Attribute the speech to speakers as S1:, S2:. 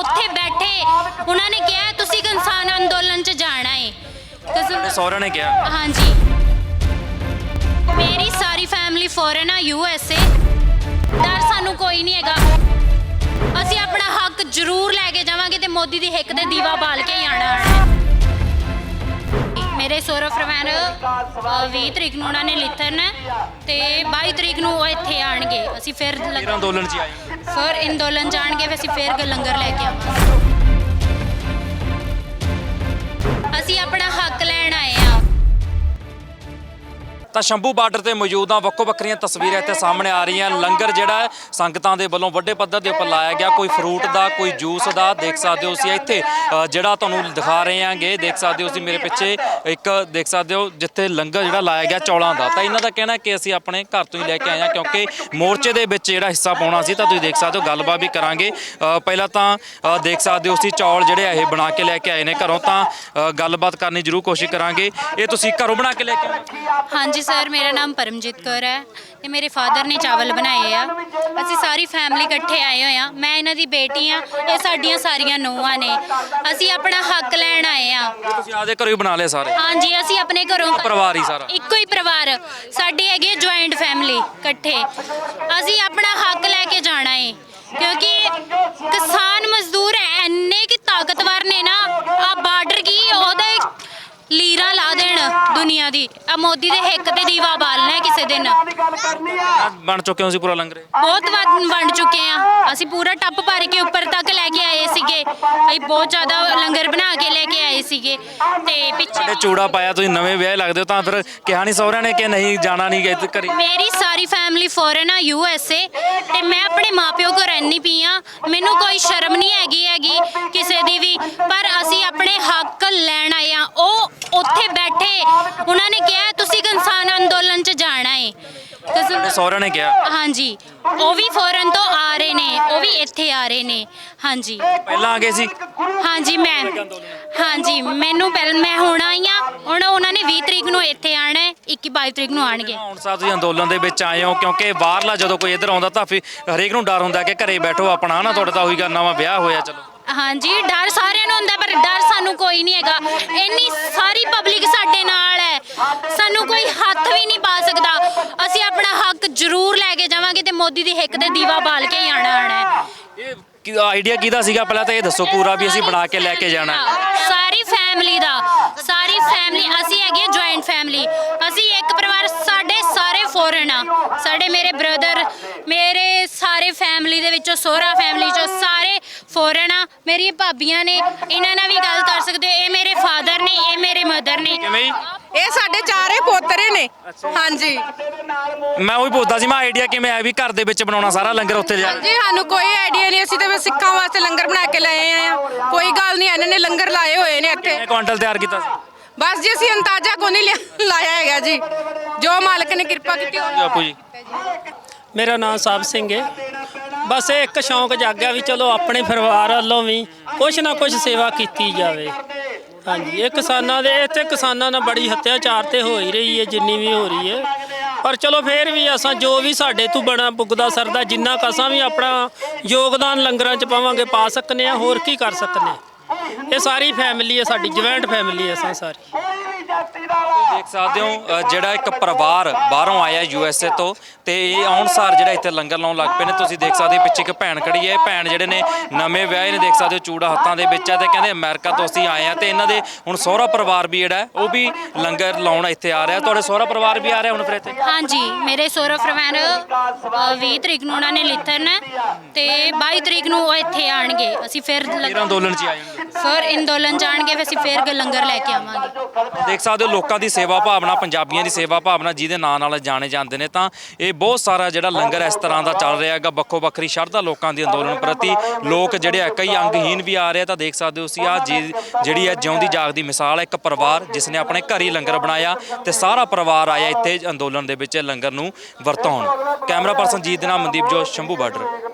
S1: ਉੱਥੇ ਬੈਠੇ ਉਹਨਾਂ ਨੇ ਕਿਹਾ ਤੁਸੀਂ ਕਿਸਾਨ ਅੰਦੋਲਨ 'ਚ ਜਾਣਾ ਹੈ।
S2: ਸਹੁਰਿਆਂ ਨੇ ਕਿਹਾ?
S1: ਹਾਂਜੀ, ਮੇਰੀ ਸਾਰੀ ਫੈਮਿਲੀ ਫੋਰਨ ਆ, USA। ਡਰ ਸਾਨੂੰ ਕੋਈ ਨਹੀਂ ਹੈਗਾ, ਅਸੀਂ ਆਪਣਾ ਹੱਕ ਜ਼ਰੂਰ ਲੈ ਕੇ ਜਾਵਾਂਗੇ ਤੇ ਮੋਦੀ ਦੀ ਹਿੱਕ ਤੇ ਦੀਵਾ ਬਾਲ ਕੇ ਹੀ ਆਣਾ ਹੈ। ਮੇਰੇ ਸਹੁਰਾ ਪਰਿਵਾਰ 20 ਤਰੀਕ ਨੂੰ ਉਹਨਾਂ ਨੇ ਲਿਥਣਾ ਤੇ 22 ਤਰੀਕ ਨੂੰ ਉਹ ਇੱਥੇ ਆਣਗੇ। ਅਸੀਂ ਫਿਰ
S2: ਅੰਦੋਲਨ 'ਚ ਆਏ
S1: ਫਿਰ ਅੰਦੋਲਨ ਜਾਣਗੇ, ਅਸੀਂ ਫਿਰ ਲੰਗਰ ਲੈ ਕੇ ਆਵਾਂਗੇ। ਅਸੀਂ ਆਪਣਾ ਹੱਕ ਲੈਣ ਆਏ ਆ।
S2: ਤਾਂ ਸ਼ੰਭੂ ਬਾਰਡਰ ਤੇ ਮੌਜੂਦ ਆ। ਵੱਖੋ ਵੱਖਰੀਆਂ ਤਸਵੀਰਾਂ ਇੱਥੇ ਸਾਹਮਣੇ ਆ ਰਹੀਆਂ। ਲੰਗਰ ਜਿਹੜਾ ਹੈ ਸੰਗਤਾਂ ਦੇ ਵੱਲੋਂ ਵੱਡੇ ਪੱਧਰ ਦੇ ਉੱਪਰ ਲਾਇਆ ਗਿਆ, ਕੋਈ ਫਰੂਟ ਦਾ, ਕੋਈ ਜੂਸ ਦਾ। ਦੇਖ ਸਕਦੇ ਹੋ ਤੁਸੀਂ ਇੱਥੇ ਜਿਹੜਾ ਤੁਹਾਨੂੰ ਦਿਖਾ ਰਹੇ ਆਂਗੇ, ਦੇਖ ਸਕਦੇ ਹੋ ਤੁਸੀਂ ਮੇਰੇ ਪਿੱਛੇ ਇੱਕ ਦੇਖ ਸਕਦੇ ਹੋ ਜਿੱਥੇ ਲੰਗਰ ਜਿਹੜਾ ਲਾਇਆ ਗਿਆ ਚੌਲਾਂ ਦਾ। ਤਾਂ ਇਹਨਾਂ ਦਾ ਕਹਿਣਾ ਕਿ ਅਸੀਂ ਆਪਣੇ ਘਰ ਤੋਂ ਹੀ ਲੈ ਕੇ ਆਏ ਹਾਂ, ਕਿਉਂਕਿ ਮੋਰਚੇ ਦੇ ਵਿੱਚ ਜਿਹੜਾ ਹਿੱਸਾ ਪਾਉਣਾ ਸੀ। ਤਾਂ ਤੁਸੀਂ ਦੇਖ ਸਕਦੇ ਹੋ, ਗੱਲਬਾਤ ਵੀ ਕਰਾਂਗੇ। ਪਹਿਲਾਂ ਤਾਂ ਦੇਖ ਸਕਦੇ ਹੋ ਤੁਸੀਂ ਚੌਲ ਜਿਹੜੇ ਇਹ ਬਣਾ ਕੇ ਲੈ ਕੇ ਆਏ ਨੇ ਘਰੋਂ। ਤਾਂ ਗੱਲਬਾਤ ਕਰਨੀ ਜ਼ਰੂਰ ਕੋਸ਼ਿਸ਼ ਕਰਾਂਗੇ। ਇਹ ਤੁਸੀਂ ਘਰੋਂ ਬਣਾ ਕੇ ਲੈ ਕੇ ਆਏ?
S1: ਹਾਂਜੀ ਸਰ, ਮੇਰਾ ਨਾਮ ਪਰਮਜੀਤ ਕੌਰ ਹੈ ਤੇ ਮੇਰੇ ਫਾਦਰ ਨੇ ਚਾਵਲ ਬਣਾਏ ਆ। ਅਸੀਂ ਸਾਰੀ ਫੈਮਿਲੀ ਇਕੱਠੇ ਆਏ ਹੋਏ ਆ। ਮੈਂ ਇਹਨਾਂ ਦੀ ਬੇਟੀ ਆ, ਇਹ ਸਾਡੀਆਂ ਸਾਰੀਆਂ ਨੂੰਹਾਂ ਨੇ। ਅਸੀਂ ਆਪਣਾ ਹੱਕ ਲੈਣ ਆਏ ਆ।
S2: ਤੁਸੀਂ ਆਪਦੇ ਘਰੋਂ ਹੀ ਬਣਾ ਲਏ ਸਾਰੇ?
S1: ਹਾਂਜੀ, ਅਸੀਂ ਆਪਣੇ ਘਰੋਂ
S2: ਪਰਿਵਾਰ ਹੀ ਸਾਰਾ
S1: ਇੱਕੋ ਹੀ ਪਰਿਵਾਰ ਸਾਡੀ ਹੈਗੀ ਹੈ, ਜੁਆਇੰਟ ਫੈਮਿਲੀ ਇਕੱਠੇ। ਅਸੀਂ ਆਪਣਾ ਹੱਕ ਲੈ ਕੇ ਜਾਣਾ ਹੈ, ਕਿਉਂਕਿ ਕਿਸਾਨ ਮਜ਼ਦੂਰ ਇੰਨੇ ਕਿ ਤਾਕਤਵਰ ਨੇ ਨਾ, ਆ ਬਾਰਡਰ ਕੀ ਉਹਦਾ ਲੀਰਾ ਲਾ ਦੇਣ ਦੁਨੀਆ ਦੀ। ਆ ਮੋਦੀ ਦੇ ਹਿੱਕ ਤੇ ਦੀਵਾ ਬਾਲਣਾ ਹੈ ਕਿਸੇ ਦਿਨ।
S2: ਬਣ ਚੁੱਕੇ ਹੋ ਸੀ ਪੂਰਾ ਲੰਗਰ?
S1: ਬਹੁਤ ਵਾਰ ਵੰਡ ਚੁੱਕੇ ਆ ਅਸੀਂ, ਪੂਰਾ ਟੱਪ ਭਰ ਕੇ ਉੱਪਰ ਤੱਕ ਲੈ ਕੇ ਆਏ ਸੀਗੇ। ਅਸੀਂ ਬਹੁਤ ਜ਼ਿਆਦਾ ਲੰਗਰ ਬਣਾ ਕੇ ਲੈ ਕੇ ਆਏ ਸੀਗੇ। ਤੇ ਪਿੱਛੇ
S2: ਚੂੜਾ ਪਾਇਆ, ਤੁਸੀਂ ਨਵੇਂ ਵਿਆਹ ਲੱਗਦੇ ਹੋ, ਤਾਂ ਫਿਰ ਕਿਹਾ ਨਹੀਂ ਸਹੁਰਿਆਂ ਨੇ ਕਿ ਨਹੀਂ ਜਾਣਾ ਨਹੀਂ ਗਏ ਘਰੇ?
S1: ਮੇਰੀ ਸਾਰੀ ਫੈਮਿਲੀ ਫੋਰਨ ਆ, USA। ਤੇ ਮੈਂ ਆਪਣੇ ਮਾਪਿਓ ਕੋਲ ਰਹਿੰਦੀ ਪਈ ਆ। ਮੈਨੂੰ ਕੋਈ ਸ਼ਰਮ ਨਹੀਂ ਹੈਗੀ ਕਿਸੇ ਦੀ ਵੀ, ਪਰ ਅਸੀਂ ਆਪਣੇ ਹੱਕ ਲੈਣ ਆਏ ਆ। ਉਹ ਉੱਥੇ ਬੈਠੇ ਉਹਨਾਂ ਨੇ ਕਿਹਾ ਤੁਸੀਂ ਕਿਸਾਨ ਅੰਦੋਲਨ 'ਚ ਜਾਣਾ ਹੈ।
S2: ਸਹੁਰਿਆਂ ਨੇ ਕਿਹਾ?
S1: ਹਾਂਜੀ, ਉਹ ਵੀ ਫੋਰਨ ਤੋਂ ਆ ਰਹੇ ਨੇ, ਉਹ ਵੀ ਇੱਥੇ ਆ ਰਹੇ ਨੇ। ਹਾਂਜੀ,
S2: ਪਹਿਲਾਂ ਆ ਗਏ ਸੀ?
S1: ਹਾਂਜੀ ਹਾਂਜੀ, ਮੈਂ ਹੁਣ ਆਈ ਆ। ਹੁਣ ਉਹਨਾਂ ਨੇ 20 ਤਰੀਕ ਨੂੰ ਇੱਥੇ ਆਣਾ ਹੈ, 21-22 ਤਰੀਕ ਨੂੰ ਆਣਗੇ।
S2: ਹੁਣ ਸਾਹਿਬ ਤੁਸੀਂ ਅੰਦੋਲਨ ਦੇ ਵਿੱਚ ਆਏ ਹੋ, ਕਿਉਂਕਿ ਬਾਹਰਲਾ ਜਦੋਂ ਕੋਈ ਇੱਧਰ ਆਉਂਦਾ ਤਾਂ ਫਿਰ ਹਰੇਕ ਨੂੰ ਡਰ ਹੁੰਦਾ ਕਿ ਘਰੇ ਬੈਠੋ ਆਪਣਾ, ਨਾ ਤੁਹਾਡਾ ਤਾਂ ਉਹੀ ਗੱਲ, ਨਵਾਂ ਵਿਆਹ ਹੋਇਆ। ਚਲੋ
S1: ਹਾਂਜੀ, ਡਰ ਸਾਰਿਆਂ ਨੂੰ ਹੁੰਦਾ, ਪਰ ਡਰ ਸਾਨੂੰ ਕੋਈ ਨਹੀਂ ਹੈਗਾ। ਇੰਨੀ ਸਾਰੀ ਪਬਲਿਕ ਸਾਡੇ ਨਾਲ ਹੈ, ਸਾਨੂੰ ਕੋਈ ਹੱਥ ਵੀ ਨਹੀਂ ਪਾ ਸਕਦਾ। ਅਸੀਂ ਆਪਣਾ ਹੱਕ ਜ਼ਰੂਰ ਲੈ ਕੇ ਜਾਵਾਂਗੇ ਤੇ ਮੋਦੀ ਦੀ ਹਿੱਕ ਤੇ ਦੀਵਾ ਬਾਲ ਕੇ ਹੀ ਆਣਾ ਹੈ।
S2: ਇਹ ਆਈਡੀਆ ਕਿਹਦਾ ਸੀਗਾ ਪਹਿਲਾਂ ਤਾਂ ਇਹ ਦੱਸੋ ਪੂਰਾ, ਵੀ ਅਸੀਂ ਬਣਾ ਕੇ ਲੈ ਕੇ ਜਾਣਾ?
S1: ਸਾਰੀ ਫੈਮਿਲੀ ਦਾ, ਸਾਰੀ ਫੈਮਿਲੀ। ਅਸੀਂ ਹੈਗੇ ਜੁਆਇੰਟ ਫੈਮਿਲੀ। ਅਸੀਂ ਇੱਕ ਪਰਿਵਾਰ, ਸਾਡੇ ਸਾਰੇ ਫੋਰਨ ਆ। ਸਾਡੇ ਮੇਰੇ ਬ੍ਰਦਰ, ਮੇਰੇ ਸਾਰੇ ਫੈਮਿਲੀ ਦੇ ਵਿੱਚੋਂ, ਸਹੁਰਾ ਫੈਮਿਲੀ ਚੋਂ ਸਾਰੇ ਫੋਰਨ ਆ। ਮੇਰੀਆਂ ਭਾਬੀਆਂ ਨੇ, ਇਹਨਾਂ ਨਾਲ ਵੀ ਗੱਲ ਕਰ ਸਕਦੇ ਹੋ। ਇਹ ਮੇਰੇ ਫਾਦਰ ਨੇ, ਇਹ ਮੇਰੇ ਮਦਰ ਨੇ।
S2: ਕਿਵੇਂ?
S3: ਇਹ ਸਾਡੇ ਚਾਰੇ ਪੋਤਰੇ ਨੇ। ਹਾਂਜੀ,
S2: ਮੈਂ ਉਹੀ ਪੁੱਛਦਾ ਸੀ, ਮੈਂ ਆਈਡੀਆ ਕਿਵੇਂ ਆਇਆ ਵੀ ਘਰ ਦੇ ਵਿੱਚ ਬਣਾਉਣਾ ਸਾਰਾ ਲੰਗਰ ਉੱਥੇ ਜਾ?
S3: ਜੀ ਸਾਨੂੰ ਕੋਈ ਆਈਡੀਆ ਨਹੀਂ, ਅਸੀਂ ਤਾਂ ਸਿੱਖਾਂ ਵਾਸਤੇ ਲੰਗਰ ਬਣਾ ਕੇ ਲਾਏ ਆ। ਕੋਈ ਗੱਲ ਨਹੀਂ, ਇਹਨਾਂ ਨੇ ਲੰਗਰ ਲਾਏ ਹੋਏ ਨੇ ਇੱਥੇ।
S2: ਕਿੰਨੇ ਕੁਆਂਟਲ ਤਿਆਰ ਕੀਤਾ ਸੀ?
S3: ਬਸ ਜੀ, ਅਸੀਂ ਅੰਦਾਜ਼ਾ ਕੋਈ ਨਹੀਂ ਲਾਇਆ ਹੈਗਾ ਜੀ, ਜੋ ਮਾਲਕ ਨੇ ਕਿਰਪਾ ਕੀਤੀ।
S2: ਬਾਪੂ ਜੀ?
S4: ਮੇਰਾ ਨਾਮ ਸਾਹਿਬ ਸਿੰਘ ਹੈ। ਬਸ ਇਹ ਇੱਕ ਸ਼ੌਂਕ ਜਾਗਿਆ ਵੀ ਚਲੋ ਆਪਣੇ ਪਰਿਵਾਰ ਵੱਲੋਂ ਵੀ ਕੁਛ ਨਾ ਕੁਛ ਸੇਵਾ ਕੀਤੀ ਜਾਵੇ। ਹਾਂਜੀ, ਇਹ ਕਿਸਾਨਾਂ ਦੇ ਇੱਥੇ ਕਿਸਾਨਾਂ ਨਾਲ ਬੜੀ ਹੱਤਿਆਚਾਰ ਤੇ ਹੋ ਹੀ ਰਹੀ ਹੈ, ਜਿੰਨੀ ਵੀ ਹੋ ਰਹੀ ਹੈ। ਪਰ ਚਲੋ ਫੇਰ ਵੀ ਅਸਾਂ ਜੋ ਵੀ ਸਾਡੇ ਤੋਂ ਬਣਾ ਪੁੱਗਦਾ ਸਰਦਾ, ਜਿੰਨਾ ਕੁ ਅਸਾਂ ਵੀ ਆਪਣਾ ਯੋਗਦਾਨ ਲੰਗਰਾਂ 'ਚ ਪਾਵਾਂਗੇ, ਪਾ ਸਕਨੇ ਆ। ਹੋਰ ਕੀ ਕਰ ਸਕਨੇ ਆ। ਇਹ ਸਾਰੀ ਫੈਮਿਲੀ ਹੈ, ਸਾਡੀ ਜੁਆਇੰਟ ਫੈਮਿਲੀ ਹੈ ਅਸਾਂ ਸਾਰੀ।
S2: ਦੇਖ ਸਕਦੇ ਹੋ ਜਿਹੜਾ ਇੱਕ ਪਰਿਵਾਰ ਬਾਹਰੋਂ ਆਇਆ USA ਤੋਂ, ਤੇ ਇਹ ਆਉਣਸਾਰ ਜਿਹੜਾ ਇੱਥੇ ਲੰਗਰ ਲਾਉਣ ਲੱਗ ਪਏ ਨੇ। ਤੁਸੀਂ ਦੇਖ ਸਕਦੇ ਹੋ ਪਿੱਛੇ ਇੱਕ ਭੈਣ ਖੜੀ ਹੈ। ਭੈਣ ਜਿਹੜੇ ਨੇ ਨਵੇਂ ਵਿਆਹੇ ਨੇ, ਦੇਖ ਸਕਦੇ ਹੋ ਚੂੜਾ ਹੱਥਾਂ ਦੇ ਵਿੱਚ ਹੈ, ਤੇ ਕਹਿੰਦੇ ਅਮਰੀਕਾ ਤੋਂ ਅਸੀਂ ਆਏ ਆ। ਤੇ ਇਹਨਾਂ ਦੇ ਹੁਣ ਸਹੁਰਾ ਪਰਿਵਾਰ ਵੀ ਜਿਹੜਾ ਉਹ ਵੀ ਲੰਗਰ ਲਾਉਣ ਇੱਥੇ ਆ ਰਿਹਾ। ਤੁਹਾਡੇ ਸਹੁਰਾ ਪਰਿਵਾਰ ਵੀ ਆ ਰਿਹਾ ਹੁਣ ਫਿਰ ਇੱਥੇ?
S1: ਹਾਂਜੀ, ਮੇਰੇ ਸਹੁਰਾ ਪਰਿਵਾਰ 20 ਤਰੀਕ ਨੂੰ ਉਹਨਾਂ ਨੇ ਲਿਥਣਾ ਤੇ 22 ਤਰੀਕ ਨੂੰ ਉਹ ਇੱਥੇ ਆਣਗੇ। ਅਸੀਂ ਫਿਰ
S2: ਅੰਦੋਲਨ 'ਚ ਆਏ
S1: ਫਿਰ ਅੰਦੋਲਨ ਜਾਣਗੇ, ਅਸੀਂ ਫਿਰ ਲੰਗਰ ਲੈ ਕੇ ਆਵਾਂਗੇ।
S2: ਦੇਖ ਸਕਦੇ ਹੋ ਲੋਕਾਂ ਦੀ ਸੇਵਾ ਭਾਵਨਾ, ਪੰਜਾਬੀਆਂ ਦੀ ਸੇਵਾ ਭਾਵਨਾ ਜਿਹਦੇ ਨਾਂ ਨਾਲ ਜਾਣੇ ਜਾਂਦੇ ਨੇ। ਤਾਂ ਇਹ ਬਹੁਤ ਸਾਰਾ ਜਿਹੜਾ ਲੰਗਰ ਇਸ ਤਰ੍ਹਾਂ ਦਾ ਚੱਲ ਰਿਹਾ ਹੈਗਾ। ਵੱਖੋ ਵੱਖਰੀ ਸ਼ਰਧਾ ਲੋਕਾਂ ਦੀ ਅੰਦੋਲਨ ਪ੍ਰਤੀ। ਲੋਕ ਜਿਹੜੇ ਆ ਕਈ ਅੰਗਹੀਨ ਵੀ ਆ ਰਹੇ। ਤਾਂ ਦੇਖ ਸਕਦੇ ਹੋ ਤੁਸੀਂ ਆ ਜਿਹੜੀ ਹੈ ਜਿਉਂਦੀ ਜਾਗਦੀ ਮਿਸਾਲ ਹੈ, ਇੱਕ ਪਰਿਵਾਰ ਜਿਸ ਨੇ ਆਪਣੇ ਘਰ ਹੀ ਲੰਗਰ ਬਣਾਇਆ ਤੇ ਸਾਰਾ ਪਰਿਵਾਰ ਆਇਆ ਇੱਥੇ ਅੰਦੋਲਨ ਦੇ ਵਿੱਚ ਲੰਗਰ ਨੂੰ ਵਰਤਾਉਣ। ਕੈਮਰਾ ਪਰਸਨ ਜੀਤ ਦੇ ਨਾਲ ਮਨਦੀਪ ਜੋਸ਼, ਸ਼ੰਭੂ ਬਾਰਡਰ।